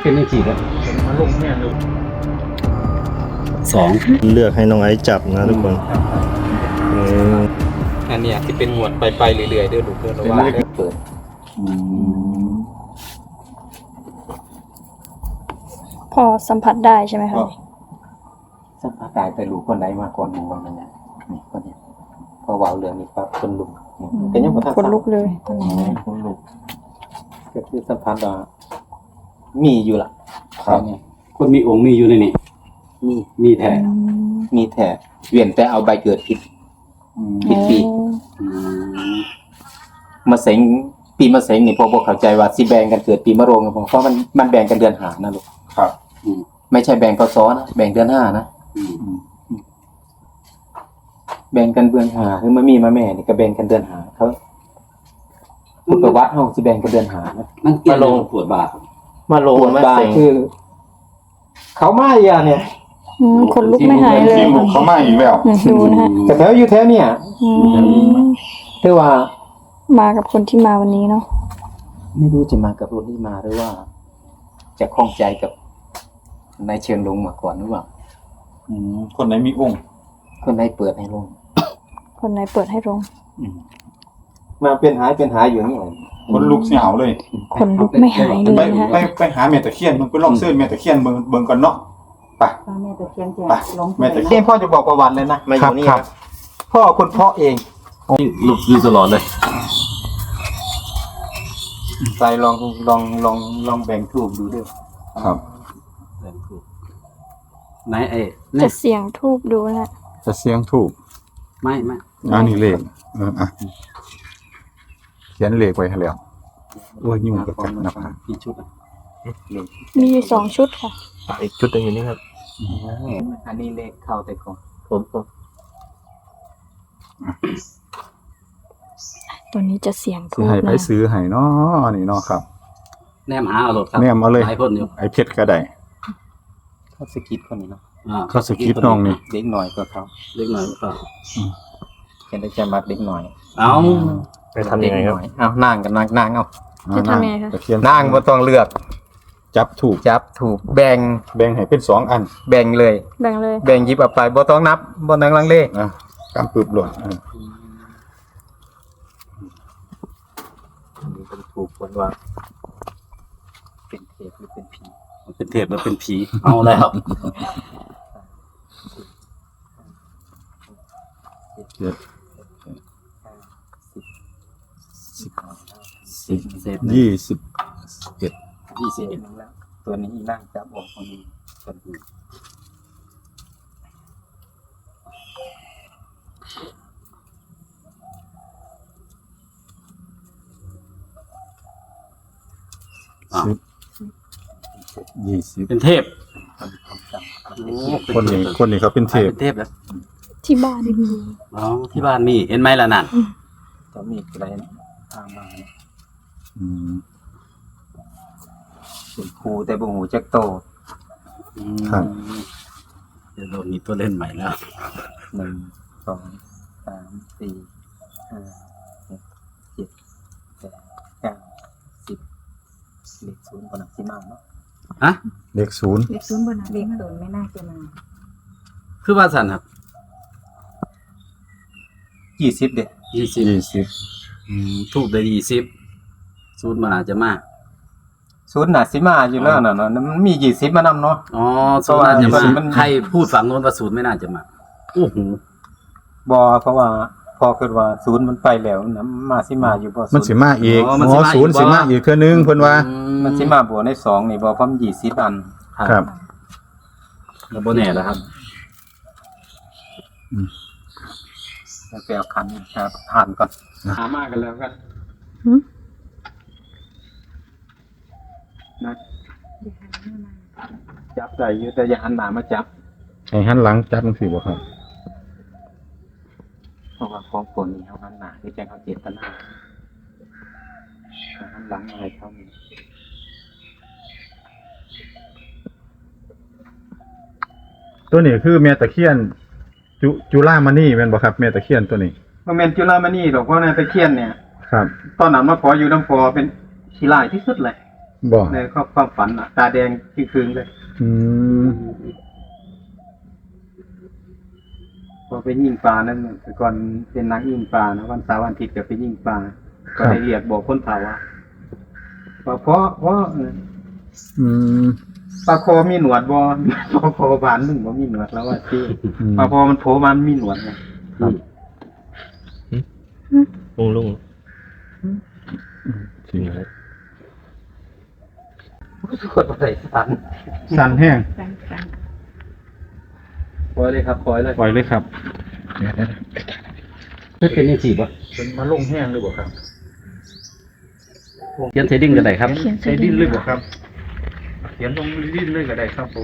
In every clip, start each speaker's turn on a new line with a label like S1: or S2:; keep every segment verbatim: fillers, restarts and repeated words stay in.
S1: เป็นยังสี่แล้วมาลงแม่ลูกสอง
S2: เลือกให้น้องไอซ์จับนะทุกคน
S1: อันเนี้ยที่เป็นหมวดไปไปเรื่อยๆเด้อลูกเด้อระว่าได้เปิด
S3: พอสัมผัสได้ใช่ไหมคะ
S1: สัมผัสได้แต่ลูกคนใดมาก่อนหมู่วันนั้นเนี่ยนี่คนนี้พอวาวเรื่องนี้ปั๊บคนลุกเป็นยังบ่ทัน
S3: คนลุกเลยตอนนี้
S1: คนลุกก็คือสัมผัสว่ามีอยู่ล่ะครับคนมีองค์มีอยู่ในนี้มีมีแท้มีแท้เวียนแต่เอาใบเกิดผิดผิดปีมาเสงปีมะเสงนี่พอบอกเข้าใจว่าสิแบ่งกันเกิดปีมะโรงเพราะมันมันแบ่งกันเดือนหานะลูกครับไม่ใช่แบ่งพศนะแบ่งเดือนห้านะแบ่งกันเดือนหาคือมามีมาแม่นี่ก็แบ่งกันเดือนหาเขาพุทธวัดเฮาสิแบ่งกันเดือนหานะมันมาลงปวดบามาลงมาเสงคือเขามาอย่าเนี่ย
S3: คนลุกไม่หายเลย
S4: เขามาอีกแล้ว
S3: ดูนะฮะ
S1: แต่แถวอยู่แถวเนี่ยคือว่า
S3: มากับคนที่มาวันนี้เนาะ
S1: ไม่รู้จะมากับคนที่มาหรือว่าจะคล้องใจกับนายเชิญลงมาก่อนหรือเปล่า
S4: คนไหนมีองค์
S1: คนไหนเปิดให้ลง
S3: คนไหนเปิดให้ลง
S1: มาเป็นหายเป็นหายอยู่นี่
S4: คนลุกเสียวเลย
S3: คนลุกไม่หายเลยนะ
S4: ไปไปหาแม่ตะเคียนมึงไปลองเสื้อแม่ตะเคียนเบิ่งเบิ่งก่อนเนาะไป
S5: แม่ตะเคียนจะ
S4: ลงแม่ตะเคียน
S1: พ่อจะบอกประวัติเลยนะมาอยู่นี่ครับพ่อคุณพ่อเอง
S2: ลุกอยู่ตลอดเลย
S1: ไปลองลองลองลองแบ่งทูบดูด้วย
S4: ครับ
S1: แบ่งทูบ
S2: ไหนเอ๊ะ
S3: จะเสียงทูบดูนะ
S4: จะเสียงทูบ
S2: ไม่ไม่
S4: อันนี้เลขเอออ่ะเขียนเลขไว้ให้แล้วโอ้ยยุ่งกับกันนะครับ
S1: กี่ชุด
S3: มีสองชุดค่ะ
S2: อีกชุดนึงอยู่นี่ครับ
S1: อันนี้เลขเข้าแต่ก่อน
S2: ผมผม
S3: ตัวนี้จะเสียงทูบ
S4: ให้ไปซื้อให้เนาะนี่เนาะครับ
S2: แนมหาเอาหลดครับ
S4: แนมเอาเลย
S2: ไอ้พ่นอยู่
S4: ไอ้เพชรก็ได้
S1: เขาสกิดคนนี้เนาะ
S4: เขาสกิดน้องนี่
S1: เด็กหน่อยก็เขา
S2: เด็กหน่อยก็
S1: เห็นได้จะมัดเด็กหน่อย
S2: เอา
S4: ไปทำยังไงครับ
S1: เอานั่งกันนั่งนั่งเอา
S3: จะทำยังไงคะ
S1: นั่งบ่ต้องเลือก
S4: จับถูก
S1: จับถูกแบ่ง
S4: แบ่งให้เป็นสองอัน
S1: แบ่งเลย
S3: แบ่งเลย
S1: แบ่งหยิบเอาไปบ่ต้องนับบ่ต้องลังเล
S4: อ่ะกำปึบหล่น
S1: นี่เป็นถูกคนว่าเป็นเทพหรือเป็นผี
S2: เป็นเทพหรือเป็นผีเอาแล้ว
S4: เจ็ดสิบสิบยี่สิบเอ็ด
S1: ยี่สิบเอ็ดแล้วตัวนี้นั่งจับออกตรงนี้กันดู
S4: สิบยี่สิบ
S2: เป็นเทพ
S4: คนนี้คนนี้เขาเป็นเทพ
S2: เป็นเทพแล้ว
S3: ที่บ้านมี
S2: อ๋อที่บ้านมีเห็นไหมล่ะนั่น
S1: จะมีอะไรทางมา
S4: อืม
S1: เป็นครูแต่บุหูจักโต
S4: ครับ
S2: เดี๋ยวเรามีตัวเล่นใหม่แล้ว
S1: หนึ่งสองสามสี่ห้าหกเจ็ดแปดเก้าสิบเลขศูนย์บนหนักที่มากเนาะ
S2: ฮะ
S4: เลขศูนย์
S5: เลขศูนย์บนหนักเลขศูนย์ไม่น่าจะมา
S2: คือว่าสันครับ
S1: ยี่สิบเด็ด
S2: ยี่สิบ
S4: ยี่สิบ
S2: ทูบได้ยี่สิบศูนย์มันอาจจะมาก
S1: ศูนย์หนาสิมาอยู่แล้วน่ะเนาะมันมียี่สิบมานำเนาะ
S2: อ๋อศูนย์อาจจะมาใครพูดฝั่งโน้นว่าศูนย์ไม่น่าจะมาโอ้โห
S1: บ่เพราะว่าพอคิดว่าศูนย์มันไปแล้วนะมาสิมาอยู่บ่
S4: มันสิมาอีกอ๋อศูนย์สิมาอีกเทื่อนึงเพิ่นว่า
S1: มันสิมาบ่ในสองนี่บ่พร้อมยี่สิบอัน
S4: ครับ
S2: แล้วบ่แน่แล้วครับ
S1: อืมไปเอาคันครับผ่านก่อนหามากันแล้วกันนะจับใจอยู่แต่อย่าหันหน้ามาจับ
S4: ให้หันหลังจับมันสิบ่ครับ
S1: เพราะว่าของคนนี้เขาหันหน้าคือแจ้งเขาเจตนาหันหลังอะไรเขานี่
S4: ตัวนี้คือแม่ตะเคียนจุจุฬามณีแม่นบ่ครับแม่ตะเคียนตัวนี้
S1: บ่แม่นจุฬามณีหรอกเพราะในตะเคียนเนี่ย
S4: ครับ
S1: ตอนนั้นมาขออยู่น้ำพอเป็นขี้ลายที่สุดเลย
S4: บ่
S1: ในครอบความฝันอ่ะตาแดงที่คืนเลย
S4: อืม
S1: พอไปยิงปลานั่นแต่ก่อนเป็นนักยิงปลานะวันเสาร์วันอาทิตย์ก็ไปยิงปลาก็ได้เรียกบอกคนเผาว่าว่าเพราะเพราะเออ
S4: อืม
S1: ปลาโคมีหนวดบ่ ปลาโคบานหนึ่งบ่มีหนวดแล้วว่าที่ปลาโคมันโผล่มามันมีหนวดไง
S6: ลุงลุง
S4: จริงเลย
S1: กดอะไรสั่น
S4: สั่นแห้ง
S5: สั่งสั่ง
S2: ปล่อยเลยครับปล่อยเลย
S4: ปล่อยเลยครับเดี๋ยว
S2: ไม่เป็นยังจีบวะ
S4: เป็นมาลงแห้งเลยบ่ครับ
S2: เขียนเทดิ้งกันไหนครับ
S3: เขียน
S4: ใช้ดินเลยบ่ครับเขียนลงดินเลยก็ได้ครับผม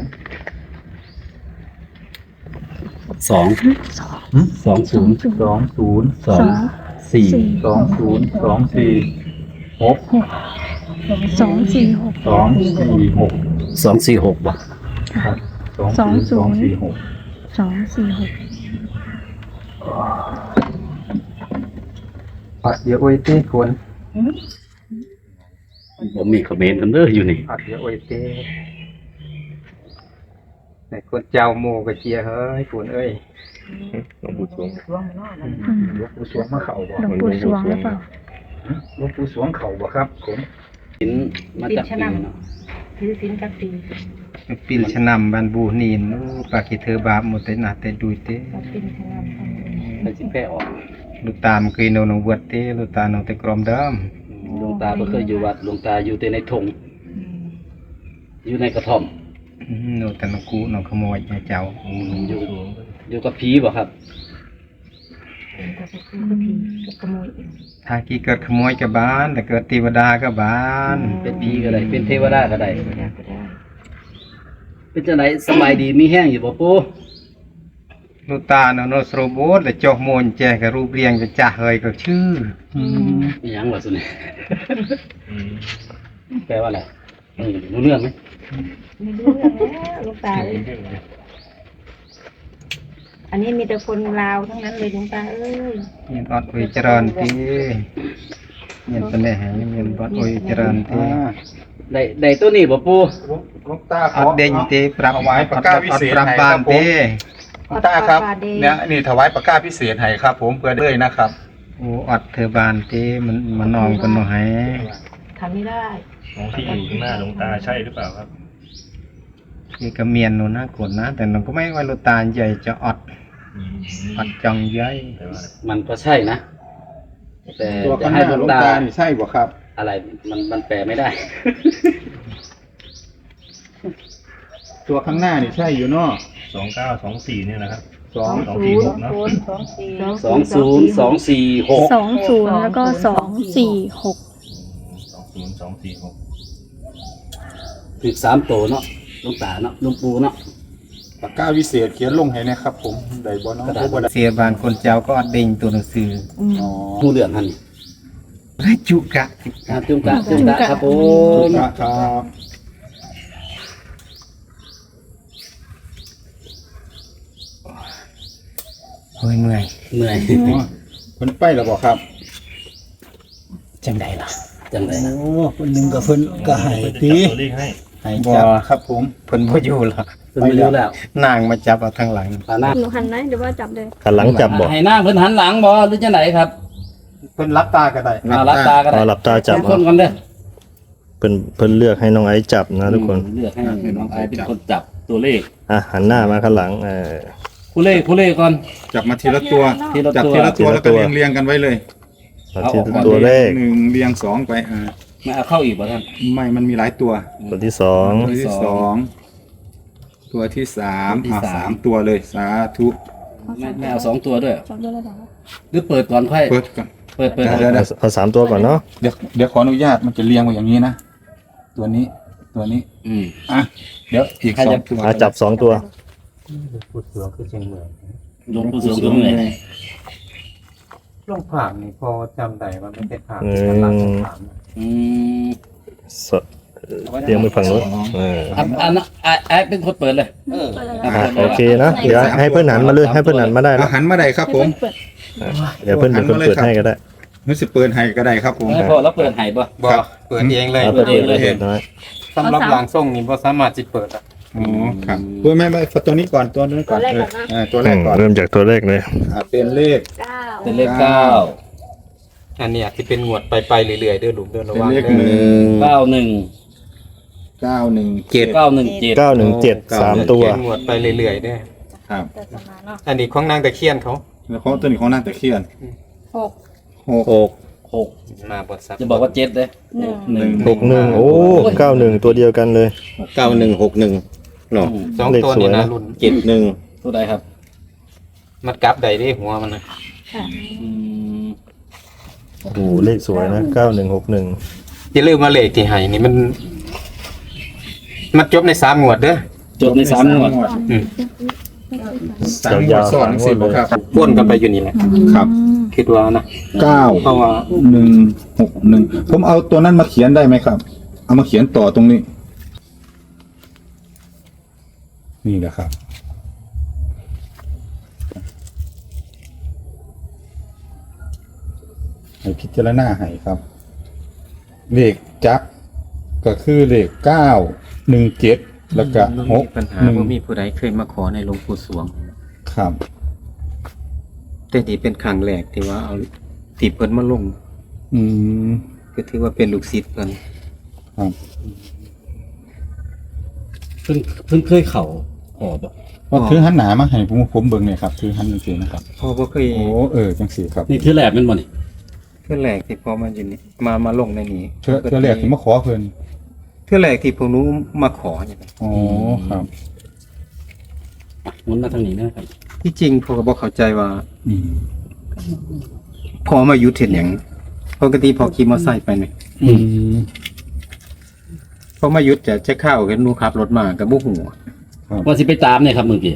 S2: สอง
S3: สอง
S2: สองศูนย์
S4: สองศูนย์
S2: สองสี่
S4: สองศูนย์สองสี่หก
S3: สองสี่หก
S4: สองสี่หก
S2: สองสี่หกวะ
S4: ครับ
S3: สองศูนย์
S4: สองสี่หก
S3: สองสี่หก
S1: ปัดเดี๋ยวโอ้ยเต้คน
S2: ผมมีคอมเมนต์กันเด้ออยู่นี่
S1: ปัดเดี๋ยวโอ้ยเต้ในคนเจ้าโมกระเจียเฮ้ยคนเอ้ย
S6: หลวงปู่สวง
S5: ช่วงนอกนั่น
S3: อืม
S4: หลวงปู่สวงมาเข่าบ่
S3: หลวงปู่สวงหรือเปล่า
S4: หลวงปู่สวงเข่าบ่ครับผม
S2: สินมาจากปีเนาะ
S5: ถือสินกับตี
S1: ปินชะนำบันบูนีนปากิเธอบาปหมดแต่หนาแต่ดูเต้
S5: กับปินชนะ
S2: ไปสิแพ้ออก
S1: ลูกตามเคยโนนวัดเต้ลูกตาโนแต่กรมเดิม
S2: หลวงตาบ่เคยอยู่วัดหลวงตาอยู่แต่ในธงอยู่ในกระท่อม
S1: โนแต่นกูนขโมยเจ้า
S2: อืมอยู่อยู่กับผีบ่ครับ
S5: กับคือผีกับขโมย
S1: ถ้ากี่เกิดขโมยกับบ้าน แต่เกิดเทวดากับบ้าน
S2: เป็นผีก็ได้เป็นเทวดาก็ได้
S5: ก็ได้ก็ได้
S2: เป็นจังไดสบายดีมีแห้งอยู่บ่ปู่
S1: ลูกตาโนโนสโรโบสและจอกโมนแจกับรูปเรียงจะจ่าเฮยก็ชื่อ
S2: มีหยังวะสุนี่แปลว่าอะไรอืมรู้เรื่องไหม
S5: ไม่รู้เรื่องแล้วลูกตาเอ้ยอันนี้มีแต่คนลาวทั้งนั้นเลยลูกตาเอ้ย
S1: เงียนอดอุยเจริญทีเงียนเป็นแหงเงียนอดอุยเจริญที
S2: ได้ได้ตัวนี้บ่ปู่
S4: หลวงตาข
S1: อ
S4: อ
S1: ดเด้งทีปรับ
S4: ถวายปากกาวิเศษ
S1: ปรับ
S4: ให้
S1: บ้าน
S4: ครับผม
S1: ที
S4: หลวงตาครับเนี่ยนี่ถวายปากกาพิเศษให้ครับ ผมเพื่อเลยนะครับ
S1: โอ้อดเธอบานทีมันมันนองกันหน่อย
S5: ทำไม่ได้
S6: ของที่อยู่ข้างหน้าหลวงตาใช่หรือเปล่าครับ
S1: นี่ก็เมียนโนนะกดนะ แต่เราก็ไม่ว่าลูกตาใหญ่จะอดอดจังใหญ่
S6: แปลว่าอะไร
S2: มันก็ใช่นะ แต่
S4: ตัว
S2: จะ
S4: ข้างห
S2: ให้
S4: น้า
S2: หลว
S4: หลว
S2: ง
S4: ง
S2: ตา
S4: ตานี่ใช่บ่ครับ
S2: อะไรมันมันแปลไม่ได้
S4: ตัวข้างหน้านี่ใช่อยู่เนาะ
S6: สองเก้าสองสี่เนี่ยนะครับ
S4: สอง
S6: สองสี่หกเนอะ
S5: สองสี่
S2: สองศูนย์สองสี่หก
S3: สองศูนย์แล้วก็สองสี่หก
S6: สองศูนย์สองสี่หก
S2: ถึงสามโตเนาะหลวงตาเนาะหลวงปู่เนาะ
S4: ปากกาวิเศษเขียนลงให้นะครับ ผมได้บ่เนาะ
S2: กระดาษ
S4: บ่ได้
S1: เสียบานคนเจ้าก็อดเด้งตัวหนังสือ
S4: อ๋อ
S2: ผู้เรื่องหัน
S1: และจุกะ
S2: อ่าจุงกะจุงกะครับผ
S4: ถู
S2: ม
S4: กครับ
S1: เฮ้ยเมื่อย
S2: เหนื่อย
S4: อ๋อเพิ่นไปแล้วบ่ครับ
S1: จังไดล่ะ
S2: จังไรนะ
S7: โอ้คนหนึ่งกับเพิ่นก็ให้
S6: เพิ่นจะ
S7: ตี
S6: จับตัวเลขให้
S7: ให้
S1: บ่
S7: จับ
S4: ครับผม
S1: เพิ่นบ่อยู่หรอก
S2: เพิ่นไม่รู้แล้ว
S1: นางมาจับเอาทางหลัง
S2: ตาหน้า
S3: หนูหันไหมหรือว่าจับเลย
S8: หันหลังจับบ่
S2: ให้หน้าเพิ่นหันหลังบ่หรือจังไหนครับ
S1: เพิ่นรับตาก็ได้
S2: เอารับตาก็ได้
S8: เอาหลับตาจับ
S2: คนกันเด้อ
S8: เพิ่นเพิ่นเลือกให้น้องไอซ์จับนะทุกคน
S2: เลือกให้น้องไอเป็นคนจับตัวเลข
S8: อ่ะหันหน้ามาข้างหลังเออ
S2: ผู้เลขผู้เลขก่อน
S4: จับมาทีละตัว
S2: ทีละ
S4: จับ
S2: ตัว
S4: ทีละตัว
S8: ทีละ
S4: แล้ว
S8: ตั
S4: ก็
S8: ว
S4: เรียงเรียงกันไว้เลย
S8: เอาที่
S2: เอาออกก่อน
S8: ตัวเลข
S4: หนึ่งเรียงสองไปอ่า
S2: ไม่เอาเข้าอีกบ่ท่าน
S4: ไม่มันมีหลายตัว
S8: ตัวที่สอง
S4: ตัวที่สองตัวที่สาม
S2: ตัวที่
S4: อ่า
S2: สาม
S4: สามตัวเลยสาธุ
S2: ไม่ไม่เอาสองตัวด้วย
S3: จับด้วยแล้วเหรอ
S2: หรือเปิดก่อนค่อย
S4: เปิดก่อน
S2: เปิดเปิด
S4: เดี๋ยว
S8: เอาเอาสามตัวก่อนเนาะ
S4: เดี๋ยวเดี๋ยวขออนุญาตมันจะเรียงไว้อย่างนี้นะตัวนี้ตัวนี้
S2: อืม
S4: อ่ะเดี๋ยวอีก
S2: ใคร
S4: สอ
S2: จะ
S4: งตัว
S8: อ่ะจับสองตัว
S1: พูดเสือคือจังเมื่อย
S2: หลวงปู่สวงก็เหนื่อย
S1: ลงผามนี่พอจำได้ว่ามันเป็นผาม
S8: อื
S1: ที่กำลัง
S8: ม
S1: ผาม
S2: อืม
S8: สเตรียมมือฝั่งนู้นเออ
S2: อันอันนั้นไอ้ไอ้เป็นคนเปิดเลย
S3: เปิดเลย
S2: อ่ะ
S8: อ่ะ
S2: เปิด
S8: โอ
S2: เลย
S8: เคนะเดี๋ยวให้เพื่อนหันมาเลยให้เพื่อนหันมาได้
S4: เอา
S8: นะ
S4: หันมาได้ครับผม
S3: เปิด
S8: เดี๋ยวเพื่อนเป็นคนเปิดให้ก็ได้
S4: นึกสิเปิดให้ก็ได้ครับผม
S2: ให้พ่อแล้วเปิดให้บ่
S1: บ่เปิดเองเลย
S8: เอาตัวเองเลยเห็นน้อย
S1: สำหรับหลังส่งนี่บ่สามารถสิเปิดอ่ะ
S4: อ๋อครับเปิดไม่ไม่ตัวนี้ก่อนตัวนี้ก่อนเออเออตัวแร
S8: อื
S4: ก
S8: ม
S4: ก่อน
S8: เริ่มจากตัวเลขเลย
S4: อ่าเป็นเลข
S3: เก้า
S2: เป็นเลขเก้า
S1: อันเนี้ยที่เป็นงวดไปไปเรื่อยๆเด้อลูกเด้อระ
S4: เป็น
S1: วัง
S4: เลข
S1: เด้
S4: หนึ่
S1: อง
S2: เก้าหนึ่ง
S4: เก้าหนึ่ง
S1: เจ็ด
S2: เก้าหนึ่งเจ็ด
S8: เก้าหนึ่งเจ็ดสามตัว
S1: เป็นงวดไปเรื่อยๆเด้อ
S4: ครับ
S5: แต่ประมาณเนาะ
S1: อันนี้ของนางตะเคียนเขา
S4: แล้วเขาตัวนี้ของนางตะเคียน
S5: หก
S4: หก
S8: หก
S2: หก
S1: มาบทสับ
S2: จะบอกว่าเจ็ดเลย
S5: หนึ่ง
S2: หนึ่ง
S8: หกหนึ่งโอ้เก้าหนึ่งตัวเดียวกันเลย
S9: เก้าหนึ่งหกหนึ่งเนาะ
S1: สองตัวนี่นะรุ่น
S9: เจ็ดหนึ่ง
S2: ตัวใดครับ
S1: มันกลับใดได้หัวมันนะ
S2: อืม
S8: โอ้โหเลขสวยนะเก้าหนึ่งหกหนึ่ง
S1: อย่าลืมมาเลขที่ให้นี่มัน มันจบในสามงวดเด้อ
S2: จบในสามงวด
S1: อืม
S4: สามงวดซ้อนสิบครับ
S1: พ่นกันไปอยู่นี่แหละ
S4: ครับ
S1: คิดว่านะ
S4: เก้า
S1: เพราะว่า
S4: หนึ่งหกหนึ่งผมเอาตัวนั้นมาเขียนได้ไหมครับ เอามาเขียนต่อตรงนี้ นี่แหละครับ ให้พิจารณาให้ครับ เลขจักรก็คือเลขเก้าหนึ่งเจ็ดแล้วก็หก
S1: ปัญหา
S4: หนึ่ง
S1: ว่ามีผู้ใดเคยมาขอในหลวงปู่สวง
S4: ครับ
S1: แต่นี่เป็นครั้งแรกที่ว่าเอาติเพิ่นมาลง
S4: อืม
S1: ก็ถือว่าเป็นลูกศิษย์เพิ่น
S4: ครับ
S2: เพิ่งเพิ่งเคยเข่าออกบ่
S4: ว่าคือหันหนามาให้ผมผมเบิ่งเนี่ยครับคือหันจังซี่นะครับ
S1: พ่อบ่เคย
S4: โอ้เออจังซี่ครับ
S2: นี่คือแหลบแมันบ่นี่
S1: เทื่อแรกที่พ่อมาอยู่นี่มามาลงในนี้
S4: เทื่อเทื่อแรกที่มาขอเพิ่น
S1: เทื่อแรกที่ผมรู้มาขออย่างนี้
S4: อ๋อครับ
S2: อ่ะหมุนมาทางนี้นะครับ
S1: ที่จริงพ่อก็บ่เข้าใจว่า
S4: อืม
S1: พ่อมาอยู่เฮ็ดหยังปกติพ่อขี่มอเตอร์ไซค์ไปนี่
S4: อืม
S1: พอมาหยุดจะจะเข้าเห็นหนูขับรถมาก็บ่ฮู้
S2: ว่าสิไปตามเนี่ยครับเมื่อกี้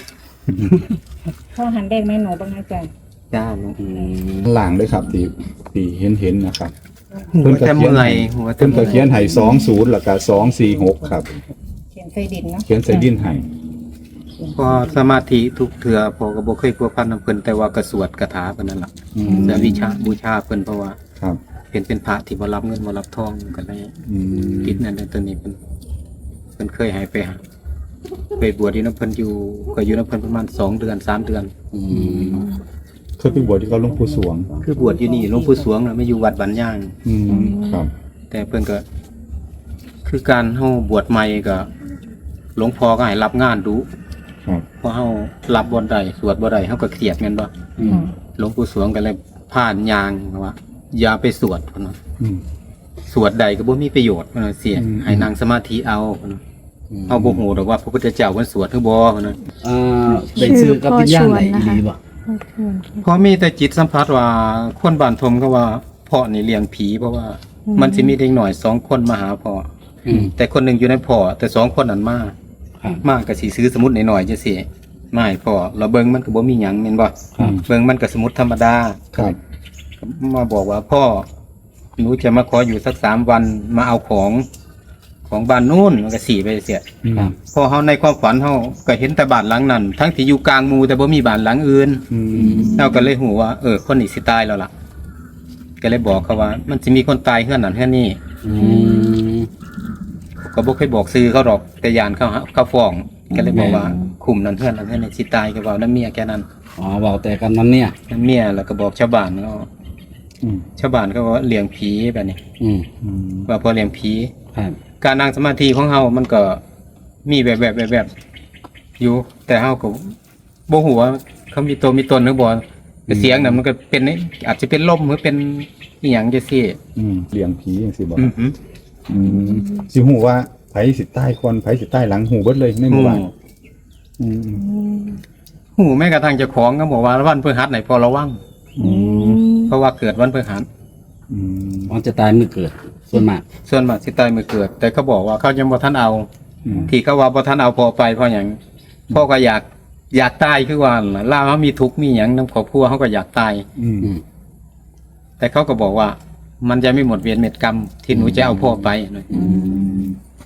S5: พ่อหันแดงแม่หนูบ้างนะจ๊ะ
S1: จ้าหนู
S2: อืม
S4: หลังเลยครับที่ที่เห็นเห็นนะครับ
S1: หัวแต่เมื่อยหัวแต่
S4: เพิ่นก็
S1: เมื่อย
S4: เขียนให้สองศูนย์แล้วก็สองสี่หกครับ
S5: เขียนใส่ดินเนาะ
S4: เขียนใส่ดินให้
S1: พอสมาธิทุกเทื่อพอก็บ่เคยพัวพันนำเพิ่นแต่ว่าก็สวดคาถาเพิ่นนั่นล่ะ
S4: อืม
S1: แต่วิชาบูชาเพิ่นเพราะว่า
S4: ครับ
S1: เป็นเป็นพระที่บ่รับเงินบ่รับทองก็เลย
S4: อืม
S1: คิดนั่นแต่ตัวนี้เพิ่นเพิ่นเคยให้ไปหาไปบวชอยู่นำเพิ่นอยู่ก็อยู่นำเพิ่นประมาณสองเดือนสามเดือน
S2: อืม
S4: เคยไปบวชที่เขาหลวงปู่สวง
S1: คือบวชอยู่นี่หลวงปู่สวงน่ะไม่อยู่วัดบ้านย่าง
S4: อืมครับ
S1: แต่เพิ่นก็ คือการเฮาบวชใหม่ก็หลวงพ่อก็ให้รับงานดู
S4: ครับ
S1: พอเฮารับบ่ได้สวดบ่ได้เฮาก็เครียดแม่นบ่
S2: อืม
S1: หลวงปู่สวงก็เลยผ่านยางว่าอย่าไปสวดพุ่นน่ะ
S4: อืม
S1: สวดใดก็บ่มีประโยชน์พุ่นน่ะเสีย
S4: อืม
S1: ให้นั่งสมาธิเอาพุ่นน่ะเฮาบ่ฮู้ดอกว่าพระพุทธเจ้าเพิ่นสวดหรือบ่พุ่นน่ะ
S2: อ่าได้ซื้อกับวิญญาณไหนดีบ่
S1: เพราะมีแต่จิตสัมผัสว่าคนบ้านทมก็ว่าพ่อนี่เลี้ยงผีเพราะว่า มันสิมีเด็กหน่อยสองคนมาหาพ่อ
S2: อืม
S1: แต่คนหนึงอยู่ในพ่อแต่สองคนนั้นมา
S2: ครับ
S1: มาก็สิซื้อสมุดหน่อยๆจังซี่มาให้พ่อเราเบิ่งมันก็บ่มีหยังแม่นบ่
S2: ครับ
S1: เบิ่งมันก็สมุดธรรมดา
S4: ครับ
S1: มาบอกว่าพ่อหนูจะมาขออยู่สักสามวันมาเอาของของบ้านนู้นมันก็สี่ไปเสีย
S4: อืม
S1: พอเฮาในความฝันเฮาก็เห็นแต่บ้านหลังนั้น ทั้งที่อยู่กลางหมู่แต่บ่มีบ้านหลังอื่น
S4: อืม
S1: เฮาก็เลยหูว่าเออคนนี้สิตายแล้วล่ะ ก็เลยบอกเขาว่า มันสิมีคนตายเฮือนนั้นเฮือนนี้
S2: อืม
S1: ก็บ่เคยบอกซื้อเขาหรอกแต่ยานเขาหาเขาฟ้อง ก็เลยบอกว่าคุมนั้นเฮือนนั้นเฮือนนี้สิตายก็เว้านำเมียแค่นั้น
S2: อ๋อเว้าแต่กันนั้นเนี่ย
S1: นำเมียแล้วก็บอกชาวบ้านเขา
S4: อืม
S1: ชาวบ้านเขาว่าเลี้ยงผีแบบนี้
S2: อืม
S4: อืม
S1: ว่าพอเลี้ยงผี
S2: ครับ
S1: การนั่งสมาธิของเฮามันก็มีแบบแบบแบบแบบอยู่ แต่เฮาก็บ่ฮู้ว่าเขามีตัวมีตนหรือบ่แต่เสียงน่ะมันก็เป็นอาจจะเป็นลมหรือเป็นอีหยังจังซี่
S4: อืมเลี้ยงผีจังซี่บ่
S1: อือหือ
S4: อืมสิฮู้ว่าไผสิใต้คนไผสิใต้หลังหูเบิดเลยในหมู่บ้านอืม
S1: ฮู้แม้กระทั่งเจ้าของก็บอกว่าวันพฤหัสไหนพอระวัง
S4: อืม
S1: เพราะว่าเกิดวันพฤหัส
S4: อืม
S2: มันจะตายเมื่อเกิดส่วนมาก
S1: ส่วนมากสิตายมื้อเกิด แต่เขาบอกว่าเขายังบ่ทันเอา
S4: อืม
S1: ที่เขาว่าบ่ทันเอาพอไปเพราะหยังพ่อก็อยากอยากตายคือว่าล่ะล่าเขามีทุกข์มีหยังนำครอบครัวเขาก็อยากตาย
S4: อืม
S2: อืม
S1: แต่เขาก็บอกว่า มันจะไม่หมดเวรเม็ดกรรมที่หนูจะเอาพ่อไปนะ
S4: อืม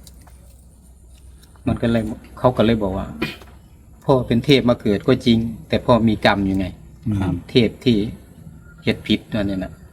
S1: มันก็เลยเขาก็เลยบอกว่า พ่อเป็นเทพมาเกิดก็จริง แต่พ่อมีกรรมอยู่ไง
S4: ครับ
S1: เทพที่เฮ็ดผิดนั่นเนี่ยนะ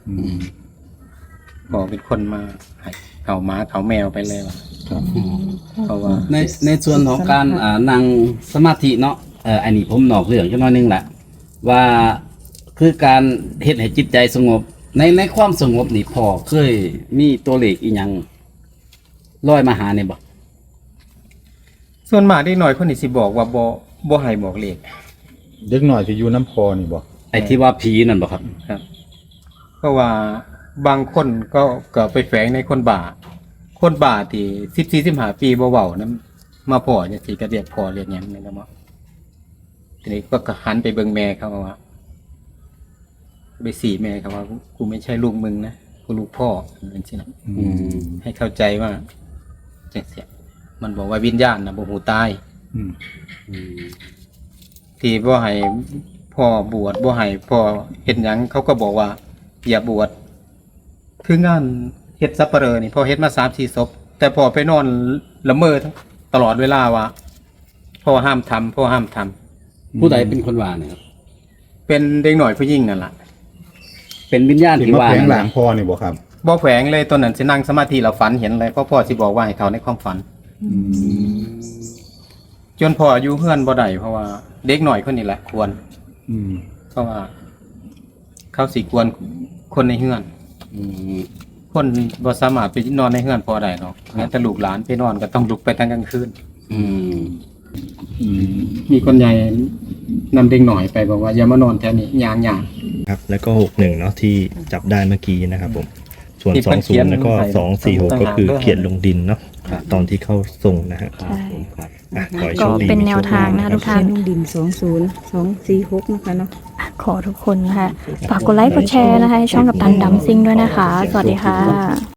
S4: อืม
S1: พ่อเป็นคนมาให้เขาหมาเขาแมวไปเลยว่ะ
S4: ครับ
S1: เพราะว่า
S2: ในในส่วนของการอ่านั่งสมาธิเนาะเอ่ออันนี้ผมนอกเรื่องจักหน่อยหนึงแหละว่าคือการเฮ็ดให้จิตใจสงบ ในในความสงบนี่พ่อเคยมีตัวเลขอีหยังลอยมาหาเนี่ยบ่
S1: ส่วนมากเด็กน้อยคนนี้สิบอกว่าบ่บ่ให้บอกเลข
S4: เด็กหน่อยที่อยู่น้ำพอนี่บ่
S2: ไอ้ที่ว่าผีนั่นบ่ครับ
S1: ครับ เพราะว่าบางคนก็ก็ไปแฝงในคนบาคนบาที่สิบสี่สิบห้าปีบ่เว้านั้นมาพ่อจังซี่ก็เรียกพ่อเรียกหยังนี่นะบ่ทีนี้ก็หันไปเบิ่งแม่เขาว่าไปสี่แม่เขาว่ากูไม่ใช่ลูกมึงนะกูลูกพ่อจังซี่นะ
S2: อืม
S1: ให้เข้าใจว่าจังซี่มันบอกว่าวิญญาณน่ะบ่ฮู้ตาย
S4: อืม
S2: อืม
S1: ที่บ่ให้พ่อบวชบ่ให้พ่อเฮ็ดหยังเขาก็บอกว่าอย่าบวชคืองานเฮ็ดสัปเหร่อนี่พ่อเฮ็ดมา สามสี่ ศพแต่พ่อไปนอนละเมอตลอดเวลาว่าพ่อห้ามทำพ่อห้ามทำ
S2: ผู้ใดเป็นคนว่าเนี่ยครับ
S1: เป็นเด็กหน่อยผู้หญิงนั่นล่ะ
S2: เป็นวิญญาณ
S4: ที่
S2: ที่
S4: มา
S2: ว่า
S4: แผง
S2: นั่น
S4: ห
S2: แห
S4: ลั
S2: ละ
S4: งพอนี่บ่ครับ
S1: บ่แฝงเลยตอนนั้นสินั่งสมาธิแล้วฝันเห็นเลยเพราะพ่อสิบอกว่าให้เขาในความฝัน
S4: อืม
S1: จนพ่ออายุเฮือนบ่ได้เพราะว่าเด็กหน่อยคนนี้แหละควร
S4: อืม
S1: เพราะว่า เขาสิควรคนในเฮือน
S2: อืม
S1: คนบ่สามารถไปนอนในเฮือนพอได้หรอกแม้แต่ลูกหลานไปนอนก็ต้องลุกไปทั้งกลางคืน
S2: อืม
S4: อืม
S1: มีคนใหญ่นำเด็กหน่อยไปบอกว่าอย่ามานอนแถวนี้ยางยาง
S8: ครับ แล้วก็หกหนึ่งเนาะที่จับได้เมื่อกี้นะครับผม ส่วน
S1: ที่
S8: ส
S1: เพิ่
S8: อง
S1: นเขี
S8: ศู
S1: ย
S8: น
S1: น
S8: ย์แล้วก็
S1: ใส่
S8: สองสี่หก
S1: ต่างหาก
S8: ก็คือ
S1: ด้วย
S8: เขียนลงดินเนาะตอนที่เข้าส่งนะฮะ
S3: ใช่
S2: ครับ
S8: อ่ะขอให้
S3: ก็
S8: โชคดี
S3: เป็น
S8: มี
S3: แน
S8: โช
S3: ว
S8: ค
S3: ทางนะคะ
S8: ดี
S3: ทุกท่าน
S5: เขียนลงดินสองศูนย์สองสี่หกนะคะเนาะ
S3: ขอทุกคนนะคะฝากกดไลค์กดแชร์นะคะให้ช่องกับตันดัมซิงด้วยนะคะ สวัสดีค่ะ